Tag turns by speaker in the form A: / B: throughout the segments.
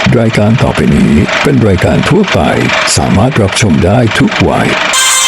A: รายการต่อไปนี้เป็นรายการทั่วไปสามารถรับชมได้ทุกวัย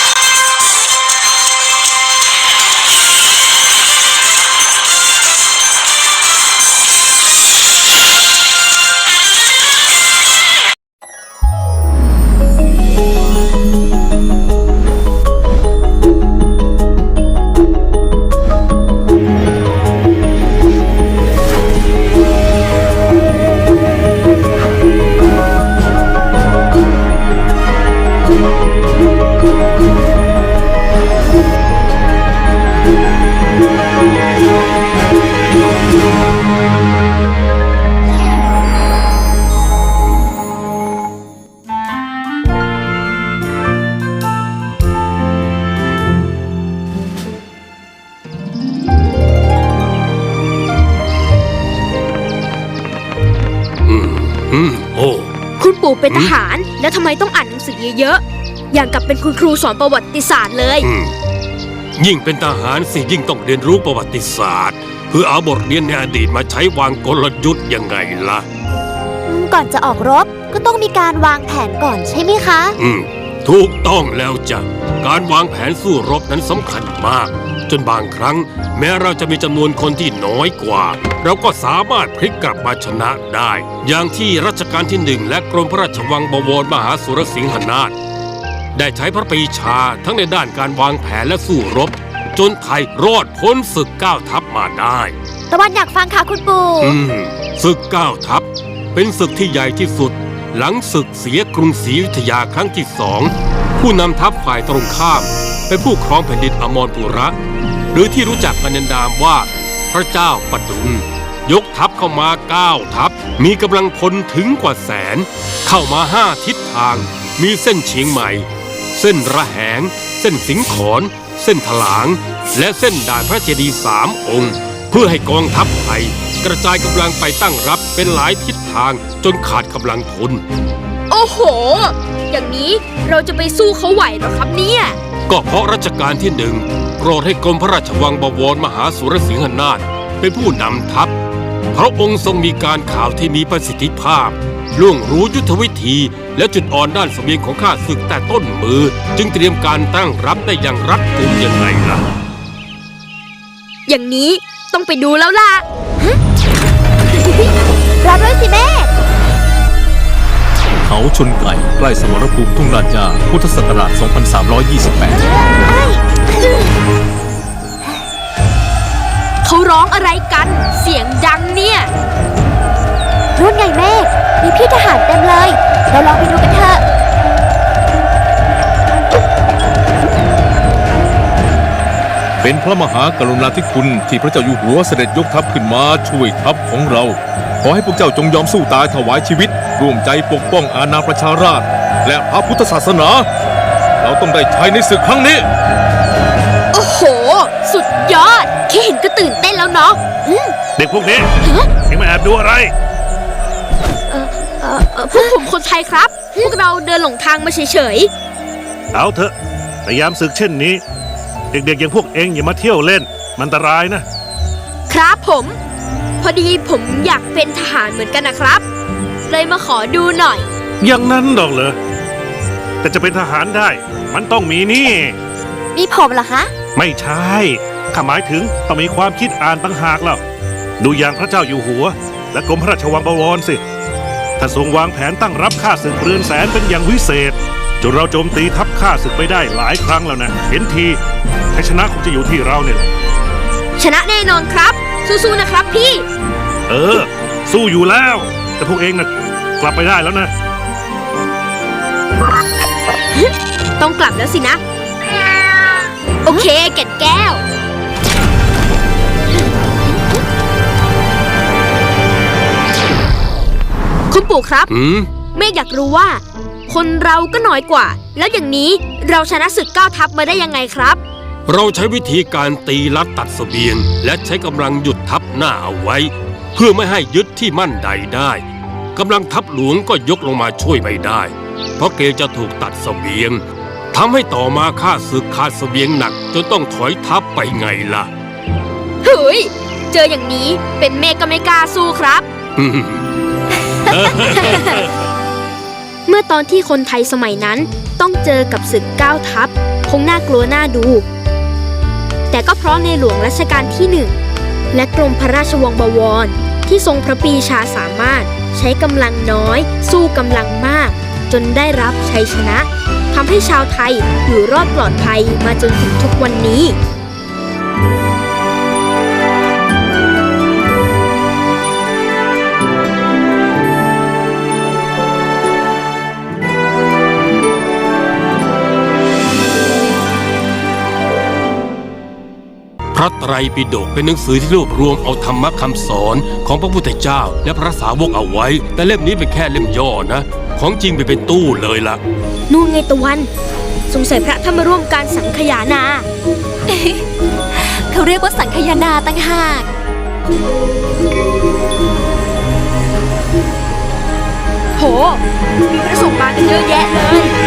B: คุณปู่เป็นทหารแล้วทำไมต้องอ่านหนังสือเยอะๆอย่างกับเป็นคุณครูสอนประวัติศาสตร์เลย
C: ยิ่งเป็นทหารสิยิ่งต้องเรียนรู้ประวัติศาสตร์เพื่อเอาบทเรียนในอดีตมาใช้วางกลยุทธ์ยังไงล่ะ
D: ก่อนจะออกรบก็ต้องมีการวางแผนก่อนใช่ไหมคะ
C: ถูกต้องแล้วจ้ะการวางแผนสู้รบนั้นสำคัญมากจนบางครั้งแม้เราจะมีจำนวนคนที่น้อยกว่าเราก็สามารถพลิกกลับมาชนะได้อย่างที่รัชกาลที่1และกรมพระราชวังบวรมหาสุรสิงหนาถได้ใช้พระปรีชาทั้งในด้านการวางแผนและสู้รบจนไทยรอดพ้นศึก9 ทัพมาได้
D: ตะวันอยากฟังค่ะคุณปู่
C: ศึก9 ทัพเป็นศึกที่ใหญ่ที่สุดหลังศึกเสียกรุงศรีอยุธยาครั้งที่2ผู้นำทัพฝ่ายตรงข้ามเป็นผู้ครองแผ่นดินอมรปุระหรือที่รู้จักกันในนามว่าพระเจ้าปดุลยกทัพเข้ามา9 ทัพมีกำลังพลถึงกว่า100,000เข้ามา5 ทิศทางมีเส้นเชียงใหม่เส้นระแหงเส้นสิงขรเส้นถลางและเส้นด่านพระเจดีย์3 องค์เพื่อให้กองทัพไทยกระจายกำลังไปตั้งรับเป็นหลายทิศทางจนขาดกำลังพล
B: โอ้โหอย่างนี้เราจะไปสู้เขาไหวหรอครับเนี่ย
C: ก็เพราะรัชกาลที่1โปรดให้กรมพระราชวังบวรมหาสุรสิงหนาถเป็นผู้นำทัพพระองค์ทรงมีการข่าวที่มีประสิทธิภาพล่วงรู้ยุทธวิธีและจุดอ่อนด้านเสบียงของข้าศึกแต่ต้นมือจึงเตรียมการตั้งรับได้อย่างรัดกุมยังไงล่ะ
B: อย่างนี้ต้องไปดูแล้วล่ะ
D: รับด้วยสิแม่
E: เขาชนไก่ใกล้สมรภูมิทุ่งลาดยาพุทธศักราช 2328
B: เขาร้องอะไรกันเสียงดังเนี่ย
D: รุ่นไงเมฆมีพี่ทหารเต็มเลยเราลองไปดูกันเถอะ
E: เป็นพระมหากรุณาธิคุณที่พระเจ้าอยู่หัวเสด็จยกทัพขึ้นมาช่วยทัพของเราขอให้พวกเจ้าจงยอมสู้ตายถวายชีวิตร่วมใจปกป้องอาณาประชาราษฎร์และพระพุทธศาสนาเราต้องได้ชัยในศึกครั้งนี้
B: โอ้โหสุดยอดแค่เห็นก็ตื่นเต้นแล้วเนาะ
F: เด็กพวกนี้ยังมาแอบดูอะไร
B: พวกผมคนไทยครับพวกเราเดินหลงทางมาเฉย
F: ๆเอาเถอะแต่ยามศึกเช่นนี้เด็กๆอย่างพวกเองอย่ามาเที่ยวเล่นมันอันตรายนะครับ
B: ผมพอดีผมอยากเป็นทหารเหมือนกันนะครับเลยมาขอดูหน่อย
F: อย่างนั้นดอกเหรอแต่จะเป็นทหารได้มันต้องมี
D: มีผมเหรอคะ
F: ไม่ใช่ข้าหมายถึงต้องมีความคิดอ่านต่างหากแล้วดูอย่างพระเจ้าอยู่หัวและกรมพระราชวังบวรสิท่านทรงวางแผนตั้งรับข้าศึกเรือนแสนเป็นอย่างวิเศษจนเราโจมตีทัพข้าศึกไปได้หลายครั้งแล้วนะเห็นทีให้ชนะคงจะอยู่ที่เราเนี่ยแหละ
B: ชนะแน่นอนครับสู้ๆนะครับพี่
F: สู้อยู่แล้วแต่พวกเองน่ะกลับไปได้แล้วนะ
B: ต้องกลับแล้วสินะโอเคแก่นแก้วคุณปู่ครับเมฆอยากรู้ว่าคนเราก็น้อยกว่าแล้วอย่างนี้เราชนะศึก9 ทัพมาได้ยังไงครับ
C: เราใช้วิธีการตีลัดตัดเสบียงและใช้กำลังหยุดทัพหน้าเอาไว้เพื่อไม่ให้ยึดที่มั่นใดได้กำลังทัพหลวงก็ยกลงมาช่วยไม่ได้เพราะเกรงจะถูกตัดเสบียงทำให้ต่อมาข้าศึกขาดเสบียงหนักจนต้องถอยทัพไปไงล่ะ
B: เฮ้ยเจออย่างนี้เป็นเมฆก็ไม่กล้าสู้ครับเมื่อตอนที่คนไทยสมัยนั้นต้องเจอกับศึก9 ทัพคงน่ากลัวน่าดู แต่ก็เพราะในหลวงรัชกาลที่ 1 และกรมพระราชวังบวรที่ทรงพระปรีชาสามารถใช้กำลังน้อยสู้กำลังมากจนได้รับชัยชนะทำให้ชาวไทยอยู่รอดปลอดภัยมาจนถึงทุกวันนี้
C: พระไตรปิฎกเป็นหนังสือที่รวบรวมเอาธรรมะคำสอนของพระพุทธเจ้าและพระสาวกเอาไว้ แต่เล่มนี้เป็นแค่เล่มย่อนะ ของจริงไปเป็นตู้เลยล่ะ
B: นู่นไงตะวัน สงสัยพระท่านมาร่วมการสังคายนา
D: เขาเรียกว่าสังคายนาต่างหาก
B: โห มีพระสงฆ์มากันเยอะแยะเลย